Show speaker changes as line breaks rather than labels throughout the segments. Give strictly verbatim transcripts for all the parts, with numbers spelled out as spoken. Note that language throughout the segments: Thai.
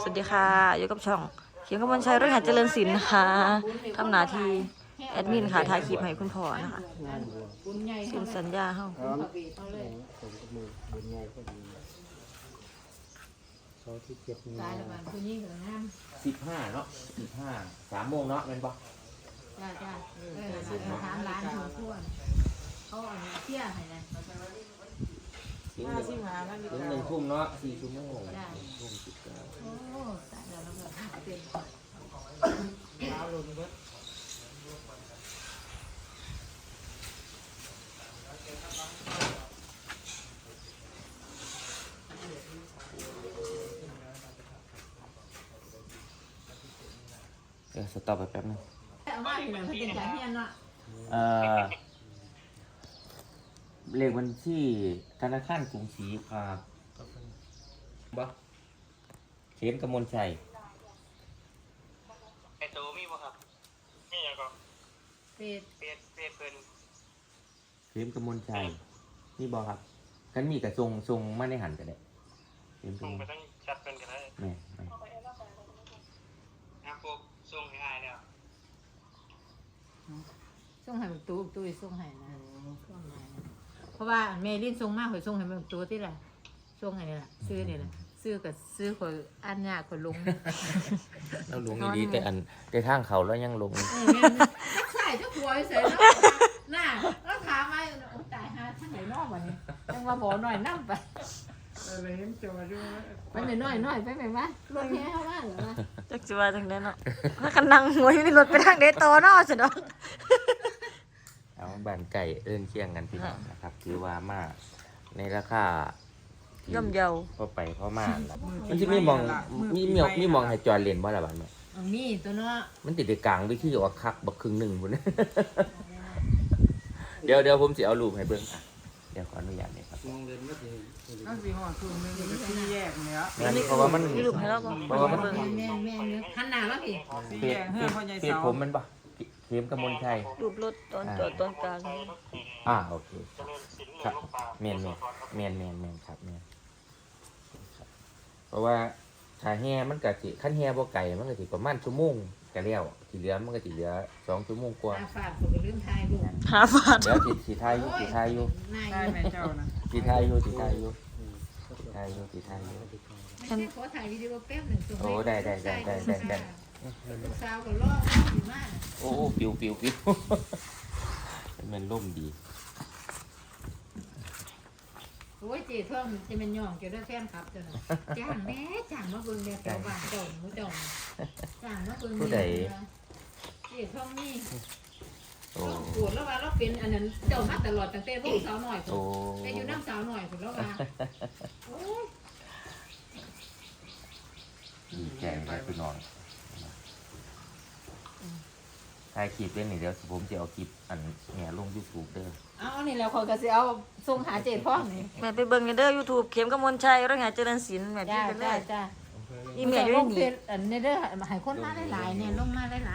สวัสดีค่ะอยู่กับช่องเขียนกำมลชัยรุ่งหาเจริญศิลป์นะคะทำหน้าที่แอดมินค่ะถ่ายคลิปให้คุณพ่อนะคะสินสัญญาเฮา
เขาที่เจ็บมือ
ตายแล้วมันคนยิ่งเหลืองาม
สิบห้าเนาะสิบห้าสามโมงเนาะแม่นปะ
จ้าจ้าเออถามร้านของทั่วเขาเอาเที่ยให้นะ
ถึงหนึ่งถึงหนึ่งทุ่มเนาะสี่ชั่วโมงทุ่มสิบเก้า
โอ้ตายแล้วแล้วก็เป็น
เอาลงก็
เดี๋ยวสต็อปไปแป๊บนึง
แต่ว่าที่ไหนเขาเป็นการเฮียนเนาะ
เอ่อเลขบัญชีธนาคารกรุงศรีครับบ่เข็มกมลชัย
ไอโตมีบ่ครับมีหยังก็
เป็ด
เฟซเฟซเพิ่น
เข็มกมลชัยนี่บ่ครับกันมีกับทรงทรงมาในหันกันได้เข็มก
ส่ง
ม
ไป
ล
ทั้งแชทเพิ่นก็ได้
แม่แม่
นะพวกส่งให้อายแล้ว
ส่งให้ตู้ตู้ส่งให้นะส่งให้นะเพราะว่าแม่ลิ้นส่งมากข่อยส่งให้มันตู้ที่ละส่งให้นี่แหละซื้อนี่แหละซื้อกับซื้อข่อยอันยากข่อยลง
เราลงดีๆแต่อันแต่ทางเขาแล้วยังลง
เออแม่จักใส่จักหัวเสร็จแล้วน่ะแล้วถามมาตายหาทั้งไหนนอกวันนี้ยังมาบอกหน่อยนั่งไป
เออเลยเห็นจอด้วย
ไปหน่อยหน่อยหน่อยไปไหนวะรถแห่เข้าบ้านเหรอวะ
จักสิว่าจังได๋เนาะถ้ากันนั่งหัวอยู่ในรถไปทางเดโตเนาะสิเนาะ
เอาบ้านไก่เอิ้นเคียงกันพี่น้องนะครับถือว่ามาในราคา
ย่อมเยา
พอไปพอมาล่ะมันจะมีมองมีมีมีมองให้จอดเลนบ่ล่ะบัดนี้
เอามีตัวเนาะ
มันติดในกลางวิธีออกคักบักครึ่งหนึงพุ่น เดี๋ยวเดี๋ยวผมสิเอารูปให้เบิ่งอ่ะเดี๋ยวขออนุญาตนี่ครับ
มองเดินไม่ถึงเอาสีห่อคืนนึงที่แยกเนี่ย
งั้นเพราะว่ามัน
มีรูปให้เราบ่
เพราะว่ามัน
แม่แม่แม่เนื้อหันหน้าแล้วพี่
สี
เปี
แย
ย
ก
ก
เฮือพ่อใหญ่
เปียก
เสา
ผมมันบ่เข็มกมลชัย
รูปรถตอนจอดตอนกลาง
อ่าโอเค
เจริญศิลป์
ครับ
ลูกปลา
แม่นแม่นแม่นแม่นแม่นครับแม่นครับเพราะว่าถ้าแห่มันก็สิคันแห่บ่ไกลมันก็สิประมาณชั่วโมงก็แล้วที่เหลือมันก็สิเหลือสองชั่วโมงกว่า
ตาฝาดผมก็ลืมทายลูก
หาฟาด
เดี๋ยวสิสิทายอยู่สิทายอยู่
นาย
ได้แม่เจ้านะ
สิทายอยู่สิทายอยู่สิทายอยู่สิทายอยู่
ขอถ่ายวิดีโอแป๊บหนึ่งส่ง
โอ้ได้ได้ได้ได้ได้ได้
ลูกสาวก็รออยู่มาก
โอ้โอ้ปิวปิวปิว มันล่มดี
โอ้ยเจ๊ท่องจะเป็นย่องเกี่ยวกับแฟนครับจ้ะนะจ้างแม่จ้างมาเบิ่งแม่แถวบ้านเจ้าหมูเจ้าจ้างมาเบิ่งแม่เจ๊ท่องนี่
โอ้
ปวดแล้วว่าเราเป็นอันนั้นเจ้ามาตลอดตั้งแต่ลูกสาวหน่อย
โอ้
แต่อยู่น้ำสาวหน่อยผมแล้วว่าโอ้ย
ดีใจเลยพี่น้องถ่ายคลิปเล่นนี่เดี๋ยวผมจะเอาคลิปอันเนี่ยลงยูทูบเด้อ
เอานี่แล้วเขาก็สิเอาส่งหาเจ๊ท่องนี่
แม่ไปเบิ่งกันเด้อ YouTube เข็มกำมลชัยรุ่งหาเจริญศิลป์แม่พี่
จ้า
ไปเล
จ้าย จ้า
อีเมลอยู่ใน
ลง
นี้
เพจอันนี้เด้อให้คนมาหลายๆเนี่ยลงมาหลาย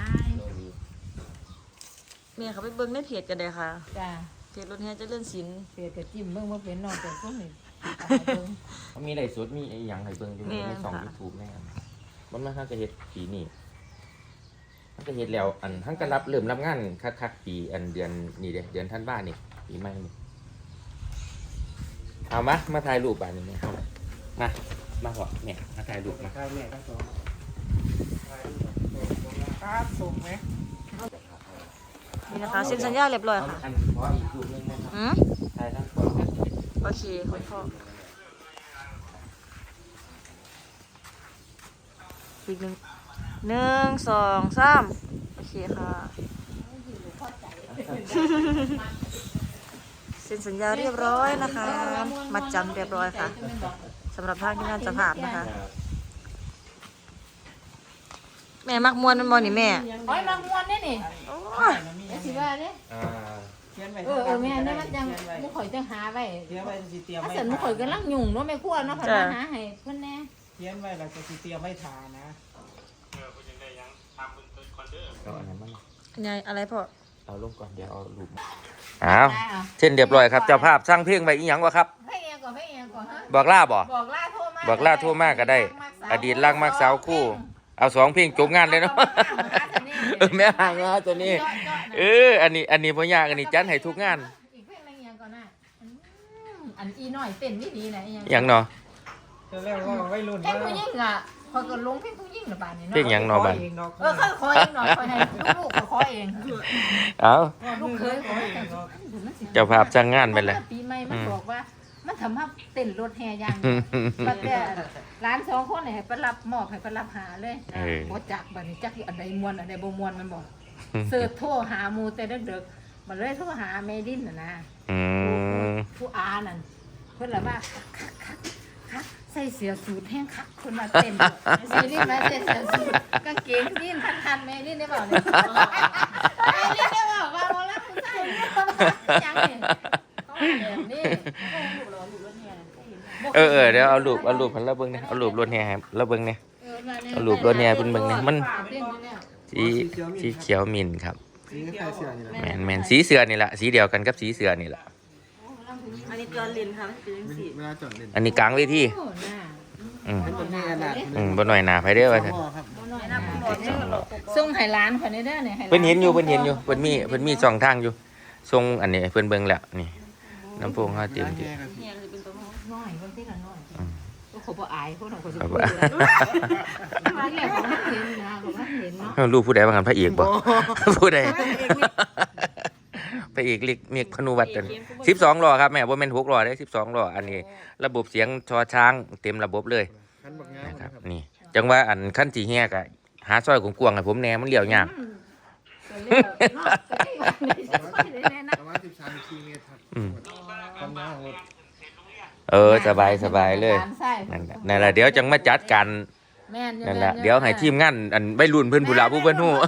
แม่เขาไปเบิ่งในเพจกันได้ค่ะ
ๆจ้า
เพจรุ่งหาเจริญศิลป์
เพจก็จิ้มเบิ่งว่าเป็นนอกจากคนนี่
เขามีไลฟ์สดมีไอ้หยังให้เบิ่งอยู่ในสองยูทูบแน่มันมาห้าจะเฮ็ดปีนี้มันก็เฮ็ดแล้วอันทั้งก็รับเริ่มรับงานคักๆปีอันเดือนนี่เด้เดือนธันวานี่ปีใหม่นี่เอามามาถ่ายรูปอันนี้เนี่ยมามาเหรอเนี่ยมาถ่ายรูปมา
ใช่แม่ก็สองครับส่งไหม
นี่นะคะเซ็นสัญญาเรียบร้อย
เอา
ค่ะ
อันขออีกรูปหนึงนะครับ
อืม
ถ่ายทั้งสอง
โอเคคุณพ่ออีกหนึ่งหนึ่งสองสามโอเคค่ะเซ็นสัญญาเรียบร้อยนะคะ มัดจำเรียบร้อยค่ะสำหรับทางที่งานเจะภาพนะคะ แม่มักมวนมันบอนี่แม่
โอ้ยมามวนนี่นี่
โอ้
อ่าย
ไอ้สิว่าเด้
อ่า
เขียนไว้
เออเออแม่นี่มันจังมุข่อยจังหาไว้
เขียนไว้สิเตรียม
ถ้า
ไว้
สันมุข่อยกำลังยุ่งเนาะแม่ครัวเนาะเพิ่นมาหาให้เพิ่นแน่
เขียนไว้แล้วก็สิเตรียมไว้ทานะ
เออคุณยังได้ยังทำเพิ่นเพิ่นคอนเด้อ
เอาอันนั้นมา
ยายอะไรพ่อ
เอาลงก่อนเดี๋ยวเอารูปมาอ้าวเช่นเรียบร้อยครับเจ้าภาพสร้างเพลงไว้อีหยังวะครับ
ให้เองก่อนให้เองก่อนฮะ
บอกล่าบ่
บอกล่าโทรมา
บอกล่าโทรมาก็ได้
มักส
อดีตรักมักสาวคู่ เอาสองเพลงจบงานเลยเนาะ เออแม่ห่างงานตัวนี้ เอออันนี้อันนี้บ่ยากอันนี้จัดให้ทุกงาน
อีกเพลงอะไรอย่างก่อนน่ะอันอีน้อยเต้นนี่ดีนะอีหยัง
หยังเนาะ
จะเรียกว่าวัยรุ่น
เพลงผู้หญิงอ่ะพอก็ลงเพลงผู้หญิงน่ะบาดนี้
เพลง
เนาะ
หยังเนาะบัด
เออค่อยขอเองหน่อยขอให้ลูกๆก็ขอเอง
เอา
ลูกเคยขอเอง
เจ้าภาพจ้างงานไปเลย
ปีใหม่มันบอกว่ามันทำให้เต้นรถแห่อย่างเดียวบัดแต่ร้านสองคนให้ไปรับมอบให้ไปรับหาเลย
เออ
บ่จักบัดนี้จักอันใดม่วนอันใดบ่ม่วนมันบอกเสิร์ชโทรหาหมู่แต่ดึกๆมันเลยโทรหาแม่ดินน่ะนะ
อืม
ผู้อานั่นเพิ่นละว่าคักคักคักใส่เสื้อสูทแห้งคักคนมาเต้นใส่นี่มาใส่เสื้อสูทกางเกงนี่ทันทันแม่นี่ได้บอกเนี่ยแม่นี่ได้บอกว่าเรารักผู้ชายยังเนี่ยเขาแบบนี้
เออเออเดี๋ยวเอารูปเอารูปให้เราเบิ่งเนี่ยเอารูปรถแห่ให้เราเบิ่งเนี่ยเอารูปรถแห่เพิ่นเบิ่งเนี่ยมันสีสีเขียวมินครับ
สีคล้ายๆเสื้อนี่แหละ
แม่นแม่นสีเสือนี่ล่ะสีเดียวกันกับสีเสือนี่ล่ะ
อันนี้จอลินค่ะมันเป็นสี
เวลาจอดเล่น
อันนี้กลางเวทีอืม
เป็นคนที่ขนาด
อืมบ่น้อยหน้าไผเด้อว่าซั่น
พ่อครับ
ส่งให้ร้านคนนี้เด้อเนี่ยให้
เพิ่นเห็นอยู่เพิ่นเห็นอยู่เพิ่นมีเพิ่นมีช่องทางอยู่ส่งอันนี้ให้เพิ่นเบิ่งแล้วนี่น้ำโพงเฮาเต็มที่
เนี่ยคือเป็นตัวห้อง
น้อยบางทีละน้อยก็ขบอายพวกเราคนจะ
เอา
พู
บ่
ดเลยที่แรกผมไม่เห็นนะผมไม่เห็นเนาะ
รู้ผู้ใดว่ากันพระเอกบ่ ผู้ใดพระเอกเล็กเมฆพนุวัฒน์กันสิบสองล้อครับแม่บ่แม่นหกล้อเด้สิบสองล้ออันนี้ ระบบเสียงชอช้างเต็มระบบเลย
คันบักงาม
นะค
นะ
รับ
ครับ
นี่จังว่าอันขั้นสีแหกอะหาซอยกวางๆให้ผมแหน่มันเลี้ยวยาก
ประมาณสิบสามสิบสี่เมตรครับ
อืม
ความยาวของรถ
เออสบายสบายเลยนั่นแหละนั่นแหละเดี๋ยวจังมาจัดกันนั่นแหละเดี๋ยวให้ทีมงานอันใบรุ่นเพิ่นผู้ละผู้เพิ่นฮู้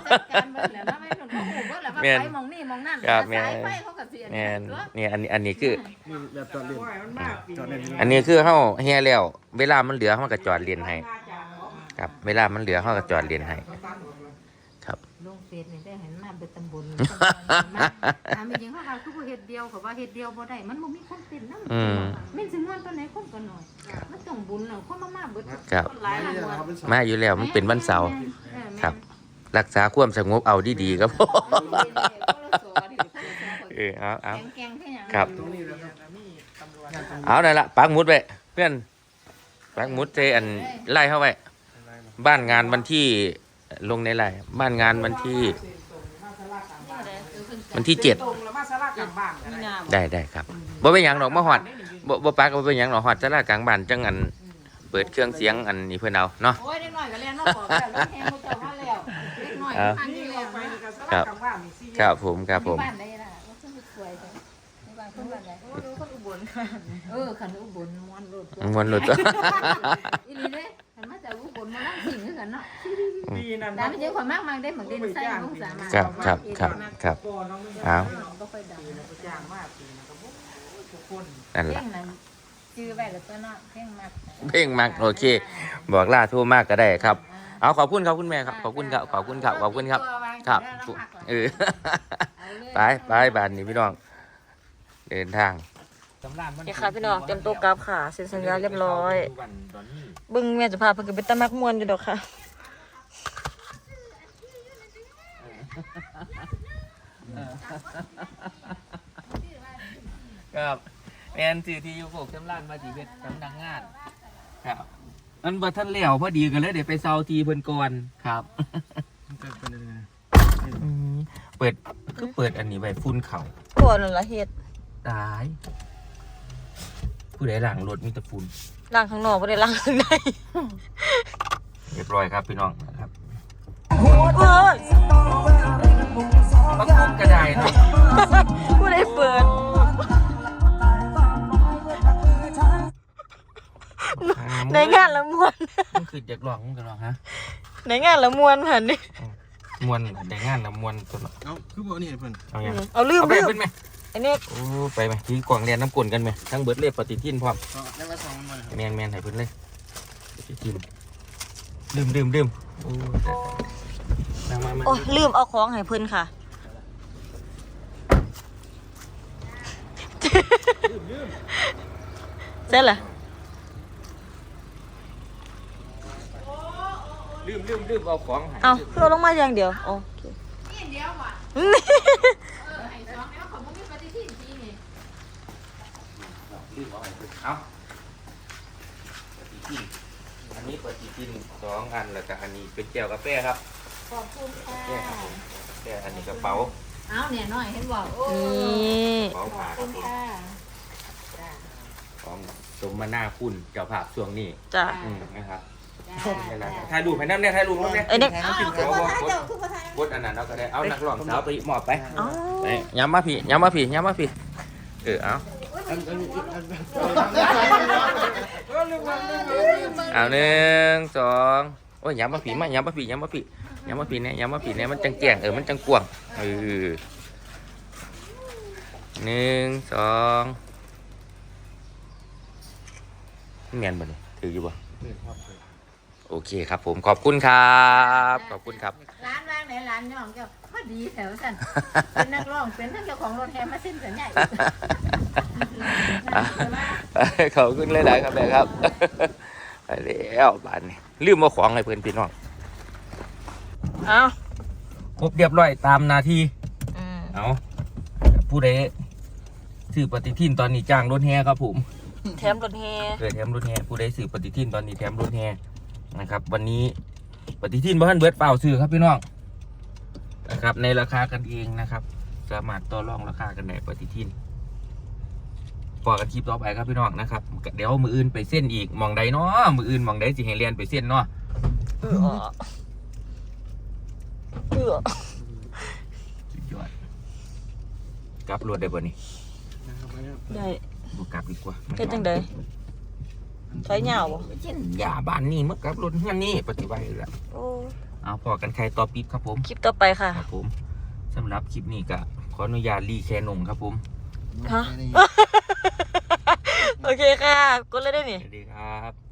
แม่น
มองนี่มองนั่น
ครับแม่
สาย
น
ไฟเขาก็เสีย
แม่นนี่อันนี้อันนี้คือ
นี่แบบจอดเล่นจอดเล่น
อันนี้คือเฮาแห่แล้ว เวลามันเหลือเฮาก็จอดเรียนให้ครับเวลามันเหลือเฮาก็จอดเรียนให้ครับ
ลงเฟซนี่ได้เห็นมาเป็นตำบลถามจริงๆเขาว่าคือบ่เฮ็ดเดียวเขาว่าเฮ็ดเดียวบ่ได้มันบ่มีคนเป็นนำ
อืม
แม่นสิม่วนตอนไหนคนก็น้อยมันต้องบุญน่ะคนมามาเบิด
ครับ
คนหลายหลายม่วน
มาอยู่แล้วมันเป็นวันเสาร์
แม่น
ครับ รักษาความสงบเอาดีๆครับ
แม่นคนละสอดิคนละสอ
เออเอาเอา
แกงๆคือหยัง
ครับ
ตรงนี้แล้วครับ
เอาได้ละปักหมุดไว้เพื่อนปักหมุดเจอันไล่เข้าไว้บ้านงานวันที่ลงในไล่บ้านงานวันที่วันที่เจ็ด
มีนา
ได้ได้ครับบ่เป็นหยังหรอกมาหอดบ่บ่ปักบ่เป็นหยังหรอกหอดจะลากลางบ้านจังอันเปิดเครื่องเสียงอันนี้เพื่อนเอาเนาะ
โอ้ยเด็กน้อยก็เรียนมาบอกแล้วรถแฮงเขาเจ้ามาแล้วเด็กน้อยทางนี้แล้วนะครับ
ครับผมครับผม
บ้านใดล่ะว่าเพิ่นสวยจังในบ้านเพิ่นบ้านใด
คนอุบลค่ะ
เออคันอุบลม่วนรถ
มวนหลุดตัว
อีหลีเด้คันมาจากอุบลมานั่งสิงคือกันเนาะ
ปีนั้น
แต่ไม่ใช่คนมากมากได้เหมือนเดินใส่ลงสามารถ
ครับครับครับครับ
ก่อนน้องไม่ได้
เอา
บ่ค่อยดัง
จ้างมากปีนะครับทุกคน
นั่น
เพล
ล่ะ
งนั้นชื่อไว้แล้วตัวเนาะเพลงมาก
เพ่งมากโอเค บอกล่าโทั่วมากก็ได้ครับ เอาขอบคุณครับคุณแม่ครับขอบคุณครับขอบคุณครับขอบคุณครับ ครับเออ ไปไปบ้านนี้พี่น้อง เดินทาง
นี่ค่ะพี่น้องเตรียมตัวกลับค่ะเซ็นสัญญาเรียบร้อยเบึ้งแม่จะพาเพิ่นก็เป็นตะมักม่วนอยู่ดอกค่ะ
ครับแมนสื่อที่อยู่โคกจำลานมาสีเพชรสำนักงาน ครับมันบ่ทันแล้วพอดีกันเลยเดี๋ยวไปเซาทีเพิ่นก่อนครับ
จะเป็นยังไง
เปิดคือเปิดอันนี้ไว้ฟุ้นเข่า
ก่อนนั่นล่ะเฮ็ด
ตาย ผู้ใดหลังรถมีแต่ฝุ่น
ล้างข้างนอกบ่ได้ล้างข้างใน
เรียบร้อยครับพี่น้องครับ
เฮ้ย
ปักมุกกระไดเนาะ
ผู้ใดเปิดในงานละม่วน
มันคือเด็กหลอกมึงกันหรอฮะ
ในงานละม่วนผ่านนี่
มวนแต่งานนะมวนตัวเนาะ
เอาคือบอกนี่เพื่อน
เอาอย่าง
เอาลืม
เอาไป
ลืม
เป็นไหม
ไอ้นี่
โอ้ไปไหมถือกล่องเรียนน้ำกลนกันไหมทั้งเบิร์ดเล่ปฏิทินพร้อม
ก็ได้มาสองมันครับ
แมนแมนให้เพิ่นเลยปฏิทินลืมลืมลืมโอ้ได้ๆมามา
โอ้ยลืมเอาของให้เพิ่นค่ะ ใช่เหรอ
ลืมลืมลืมเอาของให้
เอาเพื่อลงมาอย่างเดียวโอเค
นี่เดียวว่ะเออไอ้สองแล้วเขาบ่มีปฏิทินจริงนี่
ลืมเอาให้เพิ่นเอาปฏิทินอันนี้ปฏิทินสองอันแล้วก็อันนี้เป็นแก้วกาแฟครับ
ขอบคุณค่ะ
แก้วครับผมแก้วอันนี้กระเป๋า
เอาเนี่ยน้อยเห็นบอกโอ้
นี่
กระเป๋า
ขอ
ผ้า
บ
ค
คุ
รับ
ณ
ผม
ค่ะจ้า
ของสมนาคุณเจ้าภาพช่วงนี้
จ้ะ
อืมนะครับ
จ้า
นี่แหละถ่ายรูปให้น้ำเนี่ยถ่ายรูปน้ำเนี่ย
ไอ้เด็ก
เอาคือภาษาเจ้าคือภาษาก
ดอันนั้นเราก็ได้เอานักร้องสาวไปมอบไป
อ๋อ
ไปย้ำมาพี่ย้ำมาพี่ย้ำมาพี่เออเอาเอาหนึ่งสองโอ้ยย้ำมาพี่มาย้ำมาพี่ย้ำมาพี่ย้ำมาพี่เนี่ยย้ำมาพี่เนี่ยมันจังแจ้งเออมันจังกวางเออหนึ่งสองเมียนบ่เนี่ยถืออยู่บ่โอเคครับผมขอบคุณครับขอบคุณครับ
ร้านว่างไหนร้านย่องเจ้าพอดีแถวสั่นเป็นนักร้องเป็นทั้งเจ้าของรถแฮมมาสิ้นสัญญาอีก
ขอบคุณหลายๆครับแม่ครับ ไปแล้วบ้านนี้ลืมมาของให้เพื่อนพี่น้อง
เอา
ครบเรียบร้อยตามนาที
อืม
เอาผู้ใดซื้อปฏิทินตอนนี้จ้างรถแห่ครับผม
แถมรถแฮ
เกิดแถมรถแห่ผู้ใดซื้อปฏิทินตอนนี้แถมรถแห่นะครับ วันนี้ปฏิทินบ้านเบิร์ดเปล่าซื้อครับพี่น้องนะครับ ในราคากันเองนะครับ สามารถต่อรองราคากันในปฏิทินพอกันคลิปต่อไปครับพี่น้องนะครับเดี๋ยวมืออื่นไปเส้นอีกหมองใดเนาะมืออื่นหมองใดสิให้เรียนไปเส้นเนาะ
เออเออ
สุดยอดกลับรถได้ป่ะนี่
ได้
บุกลับดีกว่า
เป็นจังไดถอยเหงาบ่
เช่นยาบ้านนี่เมื่อกลับรถเฮือนนี่ปฏิบัติแล้ว
โอ้
เอาพอกันใครต่อปีบครับผม
คลิปต่อไปค่ะ
ครับผมสำหรับคลิปนี้ก็ขออนุญาตรีแคนงครับผม
ฮะ โอเคค่ะ กดเลยได้นี่
สวัสดีครับ